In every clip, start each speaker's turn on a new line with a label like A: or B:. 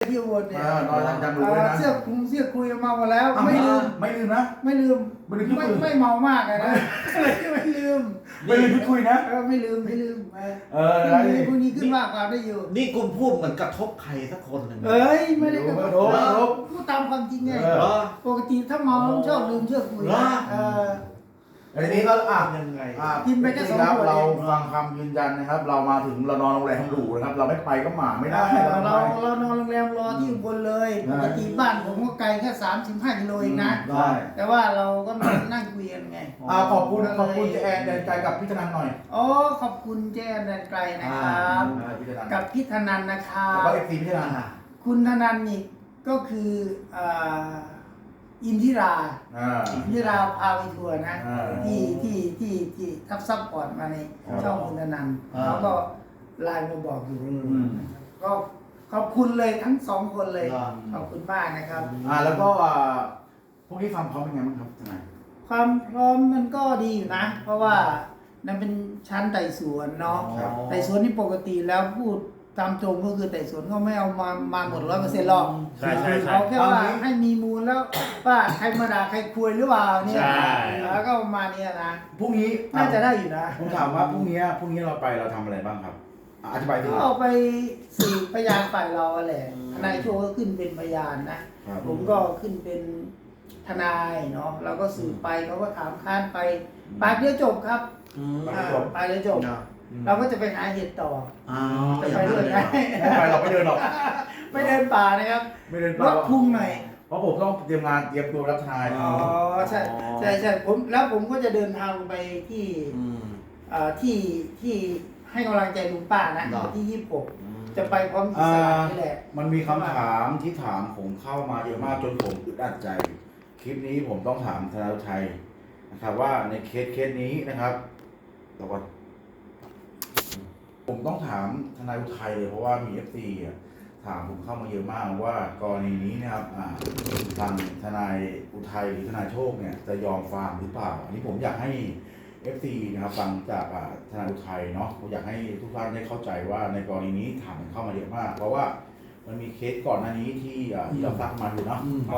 A: ที่อุบลเนี่ย
B: นอนจำรู้เลยนะ
A: เสื้อคุยเมาหมดแล้วไม่ลืม
B: นะ
A: ไม่ลืมไม่เมามากนะไม่ลืม
B: ที่คุยนะ
A: ไม่ลืมพวกนี้ขึ้นว่าความได้อยู่
C: นี่คุณพูดเหมือนกระทบใครสักคนหนึ่ง
A: ไม่ได้กระทบพูดตามความจริงไงปกติถ้าเมาชอบลืมเชื่อคุย
B: อันนี้ก็
C: ยังไง
A: กินไปแค่2 ขวด
B: เราฟังคำยืนยันนะครับเรามาถึงเรานอนโรงแรมหรูนะครับเราไม่ไปก็หมาไม่ได้
A: เรานอนโรงแรมรอที่อุบลเลยปกติบ้านผมก็ไกลแค่35 กิโลเองนะแต่ว่าเราก็นั่งคุยกันไง
B: ขอบคุณเจแอนแดนไกลกับพี่ธนันหน่อย
A: ขอบคุณเจแอนแดนไกลนะครับกับพี่ธนันนะครับ
B: แล้วก็FCพี่ธนัน
A: คุณธนันนี่ก็คืออินทิราพาไปทัวร์นะที่ทับซับก่อนมาในช่องคุณธนันเขาก็ไลน์มาบอกอยู่ก็ขอบคุณเลยทั้ง2 คนเลยขอบคุณมากนะครับ
B: แล้วก็พวกนี้ความพร้อมเป็นไงบ้างครับทนาย
A: ความพร้อมมันก็ดีอยู่นะเพราะว่านั่นเป็นชั้นไต่สวนเนาะไต่สวนนี่ปกติแล้วพูดตามตรงก็คือไต่สวนเขาไม่เอามาหมด100%หรอกเขาแค่ว่าให้มีมูลแล้วว่าใครมาด่าใครคุยหรือเปล่าเนี่ยแล้วก็มาเนี่ยนะ
B: พรุ่งนี้
A: น่าจะได้อยู่นะ
B: ผมถามว่าพรุ่งนี้เราไปเราทำอะไรบ้างครับอธิบายดิ
A: เอาไปสืบพยานฝ่ายเราแหละทนายโชว์ก็ขึ้นเป็นพยานนะผมก็ขึ้นเป็นทนายเนาะเราก็สืบไปเขาก็ถามค้านไปปากเดียวจบครับปากเดียวจบเราก็จะไปหาเห็ดต่อจะไปด้วยไหม
B: ไปเราไม่เดินหรอก
A: ไม่เดินป่านะครับ
B: ไม่เดินป่าร
A: ถพุ่งหน่อย
B: เพราะผมต้องเตรียมงานเตรียมตัวรับทนาย
A: ใช่ผมก็จะเดินทางไปที่ให้กำลังใจลุงป้านะที่26จะไปพร้อมอิสระนี่แหละ
B: มันมีคำถามที่ถามผมเข้ามาเยอะมากจนผมอึดอัดใจคลิปนี้ผมต้องถามทนายชัยนะครับว่าในเคสนี้นะครับแต่ว่าผมต้องถามทนายอุทัยเลยเพราะว่ามี FC ถามผมเข้ามาเยอะมากว่ากรณีนี้นะครับทางทนายอุทัยหรือทนายโชคเนี่ยจะยอมฟาร์มหรือเปล่าอันนี้ผมอยากให้ FC นะครับฟังจากทนายอุทัยเนาะผมอยากให้ทุกท่านได้เข้าใจว่าในกรณีนี้ถามเข้ามาเยอะมากเพราะว่ามันมีเคสก่อนหน้านี้ที่เราซักมาอยู่เนาะก็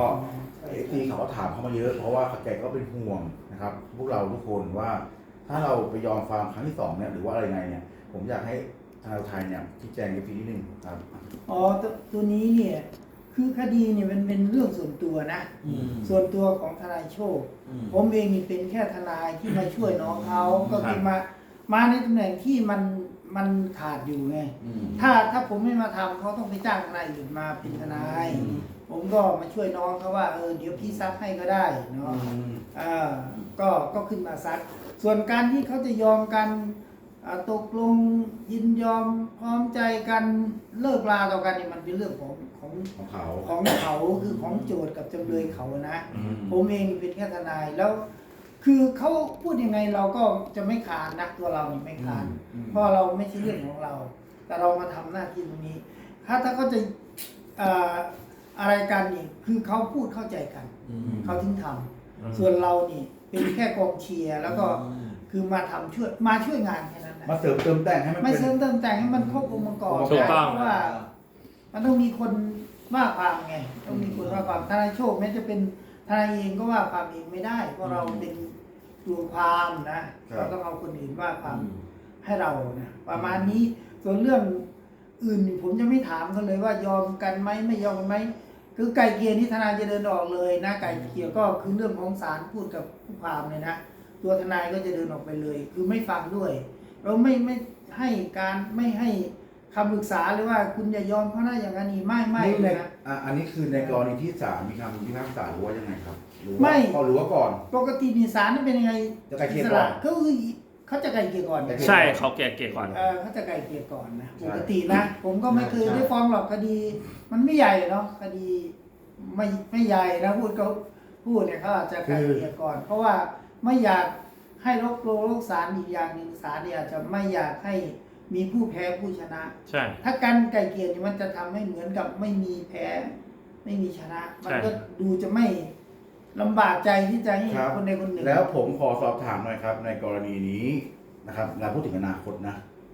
B: FC เขาก็ถามเข้ามาเยอะเพราะว่าแกก็เป็นห่วงนะครับพวกเราทุกคนว่าถ้าเราไปยอมฟาร์มครั้งที่2เนี่ยหรือว่าอะไรไงเนี่ยผมอยากให้ทนายไทยเนี่ยชี้แจงในปีนิดนึงครับ
A: ตัวนี้เนี่ยคือคดีเนี่ยมันเป็นเรื่องส่วนตัวนะส่วนตัวของทนายโชคผมเองนี่เป็นแค่ทนายที่มาช่วยน้องเขาก็คือมาในตำแหน่งที่มันขาดอยู่ไงถ้าผมไม่มาทำเขาต้องไปจ้างทนายอื่นมาเป็นทนายผมก็มาช่วยน้องเขาว่าเดี๋ยวพี่ซักให้ก็ได้เนาะก็ขึ้นมาซักส่วนการที่เขาจะยอมกันตกลงยินยอมพร้อมใจกันเลิกลาต่อกันนี่มันเป็นเรื่องของเขาคือของโจทย์กับจำเลยเขานะผมเองเป็นแค่ทนายแล้วคือเขาพูดยังไงเราก็จะไม่ขานนะตัวเรานี่ไม่ขานเพราะเราไม่ใช่เรื่องของเราแต่เรามาทำหน้าที่ตรงนี้ถ้าเขาจะอะไรกันนี่คือเขาพูดเข้าใจกันเขาถึงทำส่วนเรานี่เป็นแค่กองเชียร์แล้วก็คือมาช่วยงานแค่นั้น
B: มาเสริมเติมแต่งให้มัน
A: ไม่เสริมเติมแต่งให้มันครบองค์ประกอบเพราะว่ามันต้องมีคนว่าความไงต้องมีคนว่าความทนายโชคแม้จะเป็นทนายเองก็ว่าความเองไม่ได้เพราะเราเป็นตัวความนะเราต้องเอาคนอื่นว่าความให้เรานะประมาณนี้ส่วนเรื่องอื่นผมจะไม่ถามกันเลยว่ายอมกันไหมไม่ยอมกันไหมคือไก่เกลียนี่ทนายจะเดินออกเลยนะไก่เกลียก็คือเรื่องของศาลพูดกับผู้ความเลยนะตัวทนายก็จะเดินออกไปเลยคือไม่ฟังด้วยเราไม่ให้การไม่ให้คำปรึกษาหรือว่าคุณอย่ายอมเขานะอย่างนี้ไม่
B: นะอันนี้คือในกรณีที่ศาลมีคำพิพากษาหรือว่ายังไงครับไม่หรือว่าก่อน
A: ปกตินี่ศาลนั้นเป็นยังไง
B: จะไกลเกลี่ยก่อน
A: เขาจะไกลเกลี่ยก่อน
D: ใช่เขาไกลเกลี่ยก่อน
A: เขาจะไกลเกลี่ยก่อนนะปกตินะผมก็ไม่เคยได้ฟ้องหรอกคดีมันไม่ใหญ่เนาะคดีไม่ใหญ่นะพูดเนี่ยเขาอาจจะไกลเกลี่ยก่อนเพราะว่าไม่อยากให้โลกศาลอีกอย่างหนึ่งศาลเนี่ยอาจจะไม่อยากให้มีผู้แพ้ผู้ชนะ
D: ใช่
A: ถ้าการไกลเกลี่ยนี่มันจะทำให้เหมือนกับไม่มีแพ้ไม่มีชนะมันก็ดูจะไม่ลำบากใจที่จะให้คนใดคนหนึ่ง
B: แล้วผมขอสอบถามหน่อยครับในกรณีนี้นะครับเราพูดถึงอนาคตนะ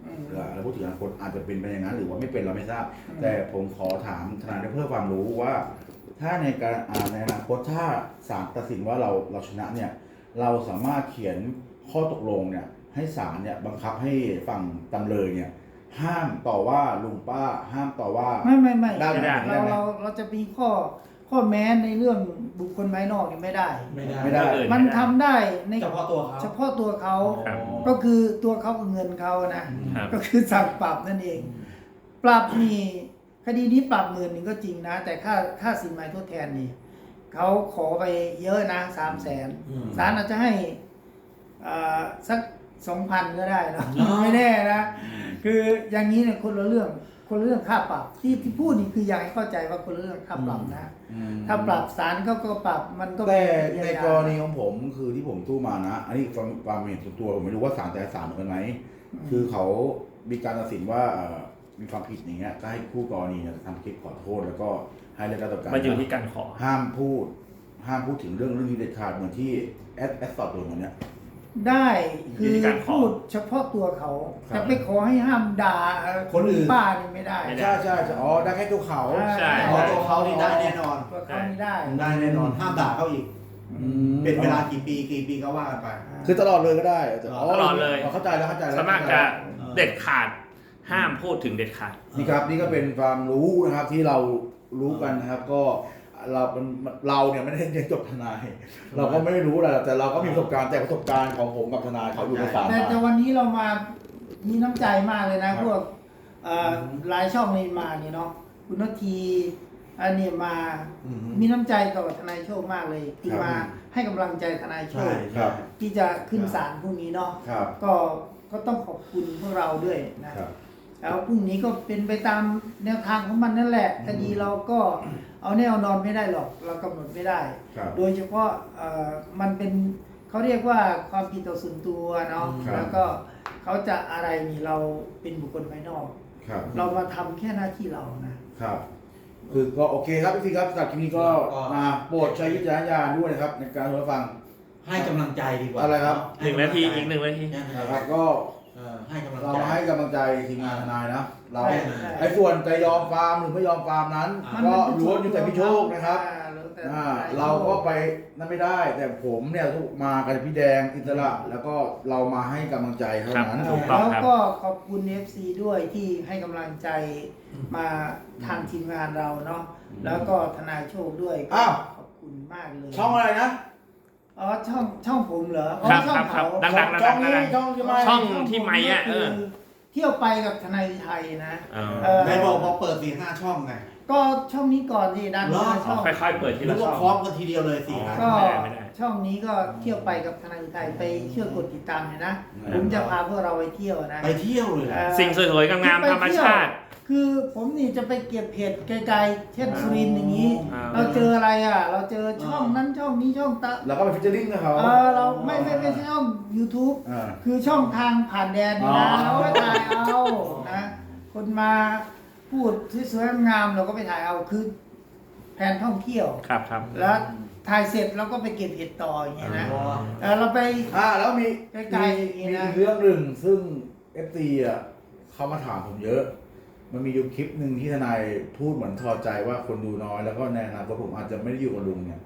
B: แล้วพูดถึงอนาคตอาจจะเป็นไปอย่างนั้นหรือว่าไม่เป็นเราไม่ทราบ แต่ผมขอถามทนายได้เพื่อความรู้ว่า ถ้าในการในอนาคตถ้าศาลตัดสินว่าเราชนะเนี่ยเราสามารถเขียนข้อตกลงเนี่ยให้ศาลเนี่ยบังคับให้ฝั่งจำเลยเนี่ยห้ามต่อว่าลุงป้าห้ามต่อว่า
A: ไม่
B: ได้ไหม
A: เราจะมีข้อแม้ในเรื่องบุคคลภายนอกเนี่ยไม่ได้
B: ไม่ได้
A: มันทำได้ใน
C: เฉพาะตัวเขา
A: เฉพาะตัวเขา
D: ครับ
A: ก็คือตัวเขากับเงินเขานะ
D: ครับ
A: ก็คือสั่งปรับนั่นเอง ปรับนี่คดีนี้ปรับ10,000ก็จริงนะ แต่ค่าสินไหมทดแทนนี่เขาขอไปเยอะนะ300,000ศาลอาจจะให้สัก 2,000 ก็ได้นะไม่แน่นะคืออย่างนี้เนี่ยคนละเรื่องค่าปรับที่พูดนี่คืออยากให้เข้าใจว่าคนละเรื่องค่าปรับนะ ถ้าปรับศาลก็ปรับมันก็
B: แต่
A: เยีย
B: ใน
A: วยาก
B: รณีของผมคือที่ผมตู้มานะ อันนี้ความเห็นส่วนตัวผมไม่รู้ว่าศาลแต่ศาลเหมือนกันไหมคือเขามีการตัดสินว่ามีความผิดอย่างเงี้ยก็ให้คู่กรณีเนี่ยทำคลิปขอโทษแล้วก็ให้เลิกการต่อการ
D: มันอยู่ที่การขอ
B: ห้ามพูดถึงเรื่องนี้เด็ดขาดเหมือนที่แอดสอบโดนวันเนี้ย
A: ได้คื
D: อยู่
A: อ
D: ที่การขอ
A: พูดเฉพาะตัวเขา
B: ครับ
A: แต่ไปขอให้ห้ามด่า
C: คนอื่น
A: ป้านี่ไม่ได้
D: ไม่ได้
B: ใช่อ๋อได้แค่ตัวเขา
D: ใช่
C: เฉพาะตัวเขานี่ได้แน่นอน
A: ตัวเขาไม่ได้
C: ได้แน่นอนห้ามด่าเขาอีก เป็นเวลากี่ปีก็ว่ากันไป
B: คือตลอดเลยก็ได้
D: ตลอดเลย
B: เข้าใจแล้ว
D: สามารถจะเด็ดขาดห้ามพูดถึงเด็ดขาด
B: นี่ครับนี่ก็เป็นความรู้นะครับที่เรารู้กันนะครับ ก็เราเนี่ยไม่ได้เรียนจบทนาย เราก็ไม่รู้อะไรหรอกแต่เราก็มีประสบการณ์แต่ประสบการณ์ของผมกับทนายเขาอยู่ในศาล
A: แต่วันนี้เรามามีน้ำใจมากเลยนะ
B: ครับ
A: พวกหลายช่องนี่มานี่เนาะคุณนาทีอันนี้มามีน้ำใจกับทนายโชคมากเลยที่มาให้กำลังใจทนายโชค
B: ครับ
A: ที่จะขึ้นศาลพรุ่งนี้เนาะ
B: ครับ
A: ก็ต้องขอบคุณพวกเราด้วยนะครับ แล้วพรุ่งนี้ก็เป็นไปตามแนวทางของมันนั่นแหละคดีเราก็เอาแน่เอานอนไม่ได้หรอกเรากำหนดไม่ได้
B: ครับ
A: โดยเฉพาะมันเป็นเขาเรียกว่าความผิดต่อส่วนตัวเนาะ
B: ครับ
A: แล้วก็เขาจะอะไรนี่เราเป็นบุคคลภายนอก
B: ครับ
A: เรามาทำแค่หน้าที่เรานะครับ
B: คือก็โอเคครับพี่ครับสำหรับคลิปนี้ก็มาโปรดใช้วิจารณญาณด้วยนะครับในการรับฟัง
C: ให้กำลังใจดีกว่า
B: อะไรครับ
D: หนึ่งนาทีอีก1 นาที
B: นะครับก็
C: ให้กำลัง
B: เรา
C: ใจ
B: มาให้กำลังใจทีมงานทนายนะเรา
A: ใช่ใช่
B: ไอ้ส่วนจะยอมฟาร์มหรือไม่ยอมฟาร์มนั้น ก็ล้วนอยู่แต่พี่โชคนะครับ
A: แล้วแต่
B: เราก็ไปนั่นไม่ได้ แต่ผมเนี่ยมากับพี่แดงอิสระแล้วก็เรามาให้กำลังใจเท่านั้น
D: ถูกต้อง
A: แล้วก็ขอบคุณ FC ด้วยที่ให้กำลังใจมาทางทีมงานเราเนาะแล้วก็ทนายโชคด้วย
B: อ้าว
A: ขอบคุณมากเลย
B: ช่องอะไรนะ
A: อ๋อช่องผมเหรออ๋อ
D: ครับ
A: ช่อง
D: ครับ
A: เขา
D: ดัง
B: ช่องนี้ช่องที่ไม่
D: ช่องที่ไมค์อ่ะ
A: คือเที่ยวไปกับทนายไทยนะ
C: ในบอกเปิด4-5 ช่องไง
A: ก็ช่องนี้ก่อนที่ดัน
C: เหรอ
A: ช่อง
D: ค่อยๆเปิดที
C: หรื
D: ละ
C: อ
D: ช่
C: ว่า
D: อง
C: พร้อมกันทีเดียวเลย4-5
A: ก็
D: ไม่ได้
A: ช่องนี้ก็เที่ยวไปกับทนายไทยไปเชื่อกดติดตามเลยนะ
B: อืม
A: ผมจะพาพวกเราไปเที่ยวนะ
C: ไปเที่ยวเลย
D: สิ่งสวยๆงามๆธรรมชาติ
A: คือผมนี่จะไปเก็บเห็ดไกลๆเช่นสุรินทร์อย่างนี้
D: อ่า
A: เราเจออะไรอ่ะ เราเจอช่องนั้นช่องนี้ช่องตะ
B: แล้วก็ไปฟิชเชอร์ลิงกับเขา
A: เราไม่ใช่ช่อง YouTube
B: อ่า
A: คือช่องทางผ่านแดนนี่นะ
B: อ๋อ
A: เราไปถ่ายเอานะคนมาพูดสวยๆงามๆเราก็ไปถ่ายเอาคือแผนท่องเที่ยว
D: ครับครับ
A: แล้วถ่ายเสร็จเราก็ไปเก็บเห็ดต่ออย่างเงี้ยนะเราไป
B: แล้วมี
A: ใกล้ๆอย่างนี้นะ
B: มีเรื่องหนึ่งซึ่ง FT อ่ะเขามาถามผมเยอะ มันมีอยู่คลิปหนึ่งที่ทนายพูดเหมือนทอใจว่าคนดูน้อยแล้วก็ในอนาคตผมอาจจะไม่ได้อยู่กับลุงเนี่ย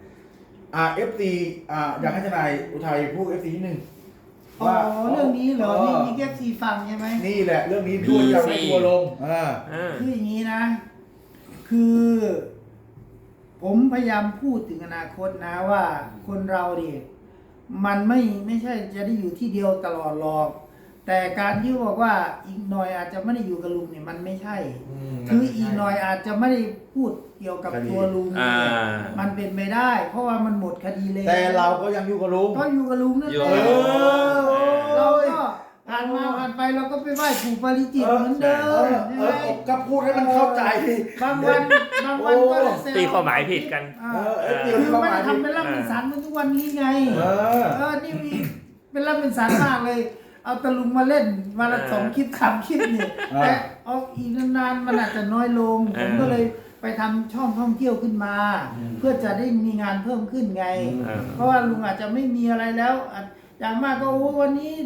B: FT อยากให้ทนายอุทัยพูด FT นิดนึง
A: อ๋อเรื่องนี้เหรอนี่มีเอฟซีฟังใช่ไหม
B: นี่แหละเรื่องนี้ด้วยอยากให้ทัวร์ลง
A: คืออย่างนี้นะ คือผมพยายามพูดถึงอนาคตนะว่าคนเราเนี่ยมันไม่ใช่จะได้อยู่ที่เดียวตลอดหรอก แต่การที่บอกว่าอีกหน่อยอาจจะไม่ได้อยู่กับลุงเนี่ยมันไม่ใช่ คืออีกหน่อยอาจจะไม่ได้พูดเกี่ยวกับตัวลุงเนี่ยมันเป็นไปได้ เพราะว่ามันหมดคดีเลย
B: แต่เราก็ยังอยู่กับลุง
A: ก็อยู่กับลุงนั่นแหละเราก็ผ่านมาผ่านไปเราก็ไปไหว้ปู่ปาริจิตเหมือนเดิมใช่ไหม
B: ก็พูดให้มันเข้าใจ
A: บางวันก็แซว
D: ตีความหมายผิดกัน
A: คือไม่ได้ทำเป็นร่ำเป็นสารเหมือนทุกวันนี้ไงนี่มีเป็นร่ำเป็นสารมากเลย เอาตะลุงมาเล่นมาละ2 คลิป3 คลิปนี่แต่เอาอีกนานๆมันอาจจะน้อยลงผมก็เลยไปทำช่องท่องเที่ยวขึ้นมา เพื่อจะได้มีงานเพิ่มขึ้นไง เพราะว่าลุงอาจจะไม่มีอะไรแล้วอย่างมากก็วันนี้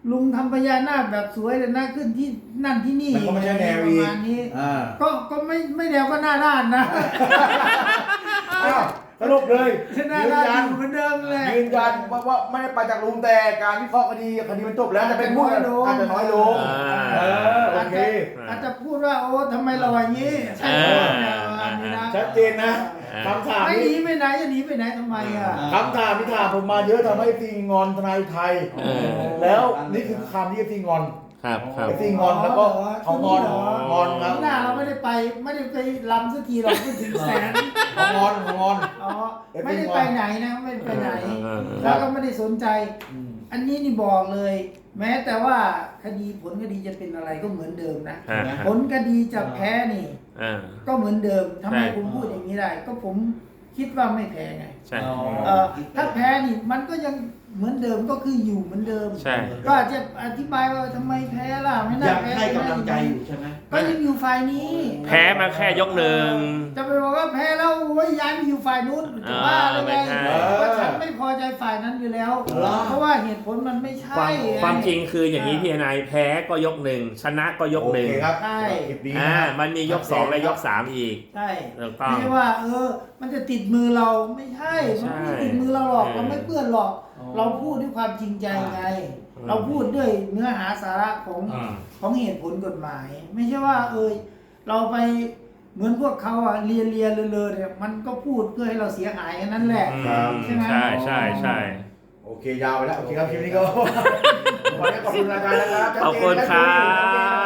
A: ลุงทำพญานาคแบบสวยเลยนะขึ้นที่นั่นที่นี่
B: มันก็ไม่ใช่แนว
A: ป
B: อี
A: ระ
B: ก
A: มาณนี้
B: ก็
A: ไม่แนวก็หน้าด้านนะ
B: อ้าวสรุปเลย
A: หน้า
B: ยืน
A: ด้าน
B: ยัน
A: อยู่เหมือนเดิมเลย
B: ยืนยันว่าไม่ได้ไปจากลุงแต่การวิเคราะห์คดีมันจบแล้วจะเป็นพูดอาจจะน้อยลง โอเค
A: อาจจะพูดว่าโอ้ทำไมเราอย่างนี้ใช่ไหมนี่นะ
B: ชัดเจนนะคำถาม
A: ไม่ห
B: นี้
A: นีไปไหนจะหนีไปไหนทำไมอ่ะ
B: คำถามที่ถามผมมาเยอะทำให้ตีงอนทนายไทย แล้วนี่คือคำที่ตีงอน
D: ครับครับ
B: ตีงอนแล้วก็เขางอนงอนครับ
A: หน้าเราไม่ได้ไปลำสักทีหรอกไม่ถึงแสน
B: เขางอนเขางอน
A: อ๋อไม่ได้ไปไหนนะไม่ได้ไปไหน
D: เออ
A: แล้วก็ไม่ได้สนใจ อันนี้นี่บอกเลย แม้แต่ว่าผลคดีจะเป็นอะไรก็เหมือนเดิมนะ ผลคดีจะแพ้นี่ ก็เหมือนเดิมทำไม
D: ใช่
A: ผมพูดอย่างนี้ได้ ก็ผมคิดว่าไม่แพ้ไง
D: ใช่
A: ถ้าแพ้นี่มันก็ยังเหมือนเดิมก็คืออยู่เหมือนเดิม
D: ใช่
A: ก็อาจจะอธิบายว่าทำไมแพ้ล่ะไม่น่า
C: ยัง
A: แพ้
C: ให้กำลังใจอยู่ใช่ไหม
A: ก็ยังอยู่ฝ่ายนี้
D: แพ้มาแค่ยกหนึ่ง
A: จะไปบอกว่าแพ้แล้วโอ้ยย้ายไปอยู่ฝ่ายนู้นจะว่าเลยไง
D: ไม่ใช่
A: ว่าฉันไม่พอใจฝ่ายนั้นอยู่แล้ว เพราะว่าเหตุผลมันไม่ใช่
D: ความจริงคืออย่างนี้พี่นายแพ้ก็ยกหนึ่งชนะก็ยก
B: โอ
D: หนึ่ง
B: เคครับ
A: ใช่
B: คลิปนี้
D: มันมียกสองและยกสามอีก
A: ใช่
D: ถูกต้อง
A: ไม่ใช่ว่า มันจะติดมือเราไม่ใช่
D: ใช่
A: มันไม่ติดมือเราหรอกเราไม่เปื้อนหรอก เราพูดด้วยความจริงใจไง เราพูดด้วยเนื้อหาสาระของเหตุผลกฎหมาย ไม่ใช่ว่าเราไปเหมือนพวกเขาเลียเลยเนี่ยมันก็พูดเพื่อให้เราเสียหายกันนั่นแหละ ใช่ไหม
D: ใช่
B: โอเคยาวไปแล้วโอเคครับคลิปนี้ก็ขอขอบคุณรายการนะครับ
D: ขอบคุณครับ